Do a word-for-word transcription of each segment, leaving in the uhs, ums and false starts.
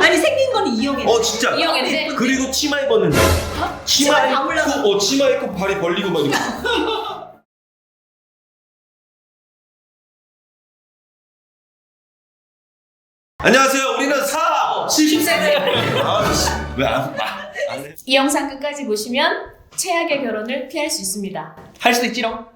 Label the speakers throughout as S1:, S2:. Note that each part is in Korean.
S1: 아니 생긴 거는 이영애.
S2: 어 진짜.
S3: 이영애인데?
S2: 그리고 치마 입었는데.
S1: 어?
S2: 치마
S1: 치마 다 올라가.
S2: 입고 어 치마 입고 발이 벌리고 막 이렇게. 안녕하세요. 우리는 사 칠십 세대. 아씨 왜안 안 해?
S3: 이 영상 끝까지 보시면 최악의 결혼을 피할 수 있습니다.
S4: 할 수도 있지롱.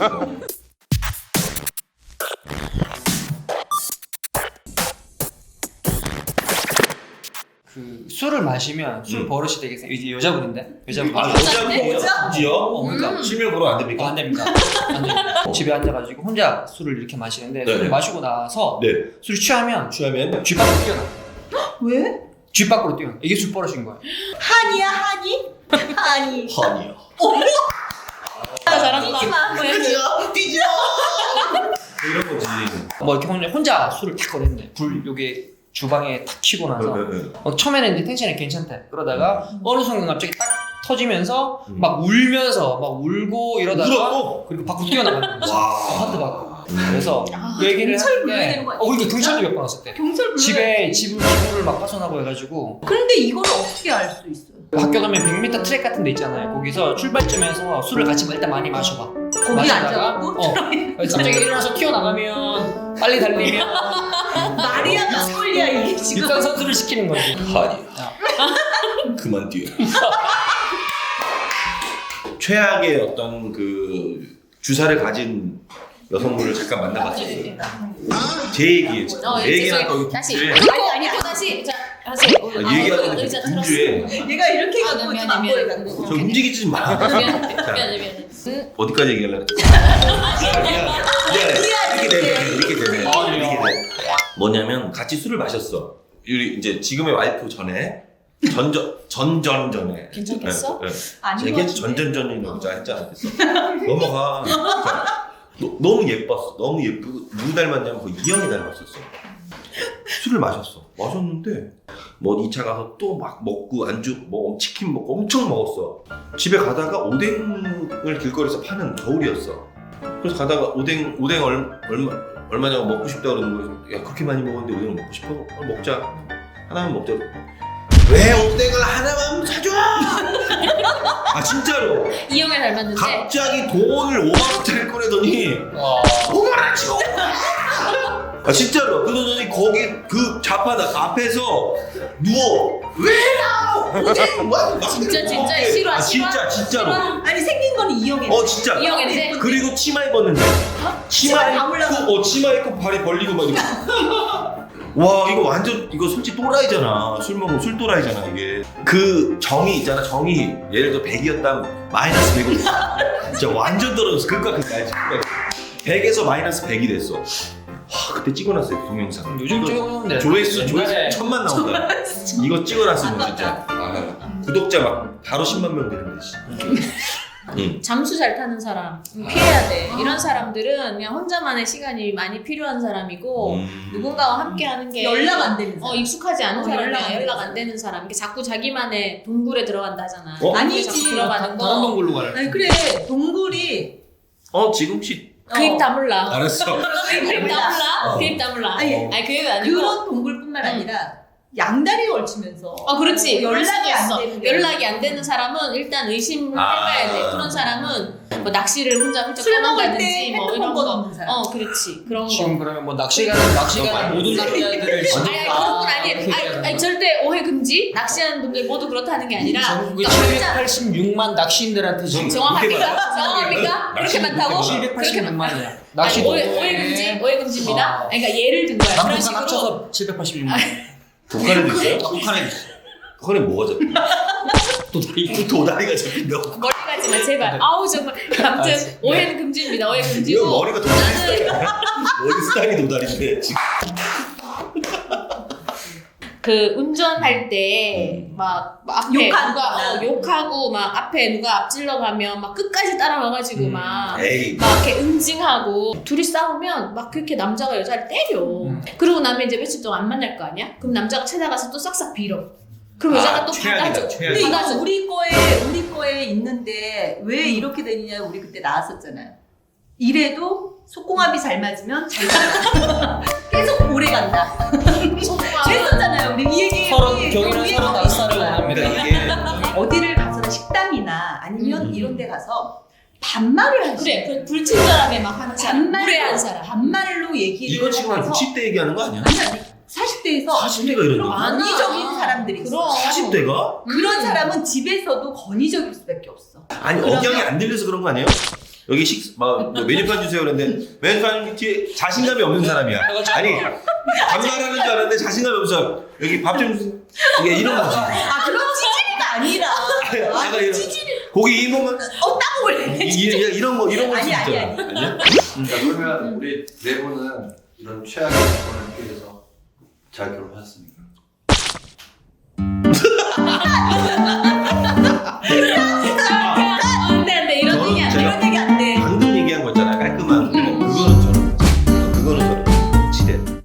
S4: 그 술을 마시면 술
S2: 음.
S4: 버릇이 되게 생- 이제 여자분인데 여자분
S2: 아
S3: 여자인데?
S2: 여자분이요? 지요?
S4: 어, 그러니까
S3: 음.
S2: 실명 보러 안 됩니까?
S4: 안 됩니다. 안 됩니다. 집에 앉아가지고 혼자 술을 이렇게 마시는데
S2: 네.
S4: 술을 마시고 나서
S2: 네.
S4: 술이 취하면
S2: 취하면
S4: 쥐 밖으로 뛰어나.
S1: 왜?
S4: 쥐 밖으로 뛰어나. 이게 술 버릇인 거야.
S1: 한이야 한이? 한이.
S2: 허니요.
S3: 아, 잘한다.
S2: 뛰죠 뛰죠. 이런 거지.
S4: 뭐 이렇게 혼자, 혼자 술을 탁 꺼냈네. 불 요게 주방에 탁 켜고 나서
S2: 네, 네, 네.
S4: 막 처음에는 이제 텐션이 괜찮대. 그러다가 어느 순간 갑자기 딱 터지면서
S2: 음.
S4: 막 울면서 막 울고 이러다가
S2: 울었고?
S4: 그리고 밖으로 뛰어나가는 거지.
S2: 와.
S4: 아파트 밖으로. 그래서
S1: 아,
S4: 그 얘기를
S1: 경찰 불러야
S4: 하는데
S1: 되는 거 아니야,
S4: 어 그러니까
S1: 진짜?
S4: 경찰도 몇 번 왔을 때
S1: 경찰 불러야
S4: 집에
S1: 돼.
S4: 집 지붕을 막 파손하고 해가지고
S1: 그런데 이걸 어떻게 알 수 있어?
S4: 학교 가면 백 미터 트랙 같은 데 있잖아요. 거기서 출발점에서 술을 같이 일단 많이 마셔봐.
S1: 거기
S4: 마시다가,
S1: 앉아갖고
S4: 어, 갑자기 일어나서 튀어나가면 빨리 달리면
S1: 마리아 가솔리아 이게 지금.
S4: 일단 선수를 시키는 거지.
S2: 허니. 그만 뛰어. 최악의 어떤 그 주사를 가진 여성분을 잠깐 만나봤어요. 제 얘기예요.
S3: 어,
S2: 제 얘기는
S3: 죄송해요.
S2: 또
S3: 다시.
S2: 분주해.
S3: 아니 아니 또 다시. 자 하세요.
S2: 아, 얘기하는 게
S3: 의자
S2: 분주해.
S3: 틀었어.
S1: 얘가 이렇게
S3: 아,
S1: 갖고
S3: 미안해,
S1: 좀
S3: 미안해.
S1: 앞보에 갖고.
S2: 저 움직이지 마.
S3: 미안해 미안해 미안해. 음,
S2: 어디까지 얘기하려고 이렇게 되네. 이렇게 되네.
S4: 아,
S2: 이렇게 되네. 뭐냐면 같이 술을 마셨어. 우리 이제 지금의 와이프 전에 전전 전전 전에.
S3: 괜찮겠어?
S2: 네, 네.
S1: 아닌 것
S2: 얘기
S1: 같은데.
S2: 전전전이라고 했잖아. 넘어가. 자, 너, 너무 예뻤어. 너무 예쁘고 누구 닮았냐면 그 이영이 닮았었어. 술을 마셨어. 마셨는데 뭐 이 차 가서 또 막 먹고 안주 뭐 치킨 먹고 엄청 먹었어. 집에 가다가 오뎅을 길거리에서 파는 겨울이었어. 그래서 가다가 오뎅 오뎅 얼, 얼마 얼마냐고 먹고 싶다 그러는 거야. 야 그렇게 많이 먹었는데 오뎅을 먹고 싶어? 어, 먹자. 하나만 먹자. 왜 오뎅을 하나만 사줘? 아 진짜로.
S3: 이영애 닮았는데.
S2: 갑자기 돈을 오만 원짜리 꺼내더니 오만 원치 아 진짜로 그러더니 거기 그 좌파다 앞에서 누워 왜 나와 오뎅 뭐
S3: 진짜 진짜 싫어
S2: 아
S3: 싫어.
S2: 진짜 진짜로
S1: 아니 생긴 거는 이영애.
S2: 어 진짜
S3: 이영애인데.
S2: 그리고 치마 입었는데 치마
S1: 치마 다 올라가.
S2: 입고 어 치마 입고 발이 벌리고 막 이렇게 와 이거 완전 이거 솔직히 또라이잖아. 술 먹으면 술 또라이잖아 이게. 그 정이 있잖아 정이 예를 들어 백이었다면 마이너스 백으로 진짜 완전 떨어졌어. 그니까 그까지 백에서 마이너스 백이 됐어. 와 그때 찍어놨어요 그 동영상.
S4: 요즘
S2: 이거
S4: 찍어놓는데
S2: 조회수 조회수
S4: 옛날에
S2: 천만 나온다. 이거 찍어놨으면 진짜 아, 구독자 막 바로 십만 명 되는데 씨. 응.
S3: 잠수 잘 타는 사람 피해야 돼. 이런 사람들은 그냥 혼자만의 시간이 많이 필요한 사람이고
S2: 음.
S3: 누군가와 함께하는 게
S1: 연락 안 되는 사람.
S3: 어 익숙하지 않은
S1: 어,
S3: 사람이야.
S1: 연락 안 되는
S3: 연락 안
S1: 사람.
S3: 되는 사람. 이게 자꾸 자기만의 동굴에 들어간다 하잖아.
S2: 어?
S1: 아니지.
S3: 자꾸 들어가는
S4: 다른
S3: 거.
S4: 동굴로 가라.
S1: 아니 그래 동굴이
S2: 어 지금 씨
S3: 그 입 다물라.
S2: 알았어.
S3: 그 입 다물라.
S2: 어.
S3: 그 입 다물라.
S1: 아니,
S3: 아니 그 얘기 아니고.
S1: 그런 동굴뿐만 아니라 양다리 걸치면서.
S3: 어 그렇지.
S1: 연락이 안
S3: 있어.
S1: 되는 게
S3: 연락이 안 되는 사람은 일단 의심을
S2: 아.
S3: 해봐야 돼. 그런 사람은 뭐 낚시를 혼자 훌쩍
S1: 술 먹을
S3: 떠난다든지
S1: 때
S3: 뭐
S1: 핸드폰
S3: 이런
S1: 번
S3: 거.
S1: 없는 사람.
S3: 어 그렇지. 그런
S4: 지금
S3: 거.
S4: 그러면 뭐 낚시 가는 낚시 가는 모든 남자들을
S3: 아니, 아니 그런 건 아니에요. 아니, 아니 절대 오해 금지. 낚시하는 분들 모두 그렇다는 게 아니라
S4: 전국에
S3: 그러니까 혼자-
S4: 칠백팔십육만 낚시인들한테 지금
S3: 정확합니까? 정확합니까? 그렇게 많다고? 그렇게
S4: 칠백팔십육만이야.
S3: 아니, 오해, 오해 금지, 오해 금지입니다.
S4: 아.
S3: 아니, 그러니까 예를 든 거야. 그런
S4: 남북한
S3: 식으로.
S4: 합쳐서 칠백팔십육만.
S2: 북한에도 있어요?
S4: 북한에 있어.
S2: 북한에 뭐가 잡혀?
S4: 또 다리.
S2: 도다리가 잡힌다고?
S3: 머리 가지마 제발. 아우 정말. 아무튼
S4: 알았어.
S3: 오해는 금지입니다. 오해
S2: 이거
S3: 금지고.
S2: 머리가 도다리 스타일 머리 스타일이 도다리인데 지금
S3: 그 운전할 때 막 앞에
S1: 욕하는
S3: 누가
S1: 거야.
S3: 어, 욕하고 막 앞에 누가 앞질러 가면 막 끝까지 따라와가지고
S4: 음.
S3: 막.
S2: 에이
S3: 막 이렇게 응징하고 둘이 싸우면 막 그렇게 남자가 여자를 때려.
S4: 음.
S3: 그러고 나면 이제 며칠 동안 안 만날 거 아니야? 그럼 남자가 찾아가서 또 싹싹 빌어. 그럼 여자가
S2: 아,
S3: 또
S2: 최악이다,
S3: 받아줘.
S2: 최악이다.
S1: 근데 이거
S3: 받아줘.
S1: 우리 거에 우리 거에 있는데 왜 이렇게 되느냐 우리 그때 나왔었잖아요. 이래도 속궁합이 잘 맞으면 잘 간다. 계속 오래 간다.
S3: 소중한
S1: 그랬었잖아요. 우리 이 얘기
S4: 서른 경이는 서로 낯설을 원합니다.
S2: 그러니까 이게
S1: 어디를 가서나 식당이나 아니면
S2: 음.
S1: 이런 데 가서 반말을 하지.
S3: 그래, 그 불친절하게 막 하는 사람,
S1: 반말로,
S3: 무례한 사람.
S1: 반말로 얘기를
S2: 이거 지금 한
S1: 해서
S2: 육십 대 얘기하는 거 아니야?
S1: 아니 아니 사십 대에서
S2: 사십 대가 이런 거.
S1: 권위적인 사람들이 있어.
S3: 그럼.
S2: 사십 대가?
S1: 그런
S3: 음.
S1: 사람은 집에서도 권위적일 수밖에 없어.
S2: 아니
S1: 그러면-
S2: 억양이 안 들려서 그런 거 아니에요? 여기 식, 막, 뭐 메뉴판 주세요 그랬는데 메뉴판 뒤에 자신감이 없는 사람이야. 아니 반말하는 줄 알았는데 자신감이 없어. 여기 밥 좀 주세요. 이게 이런 거지.
S1: 아 그런 찌질이가 아니라.
S2: 약간
S1: 아
S2: 이런
S1: 찌질이.
S2: 고기 이 몸은
S1: 어 따먹을래.
S2: 이- 이- 이런 거 이런 거
S1: 아니, 아니,
S2: 진짜
S1: 아니.
S2: 아니야?
S5: 자, 그러면 우리 네 분은 이런 최악의 조건을 피해서 잘 결혼하셨습니까?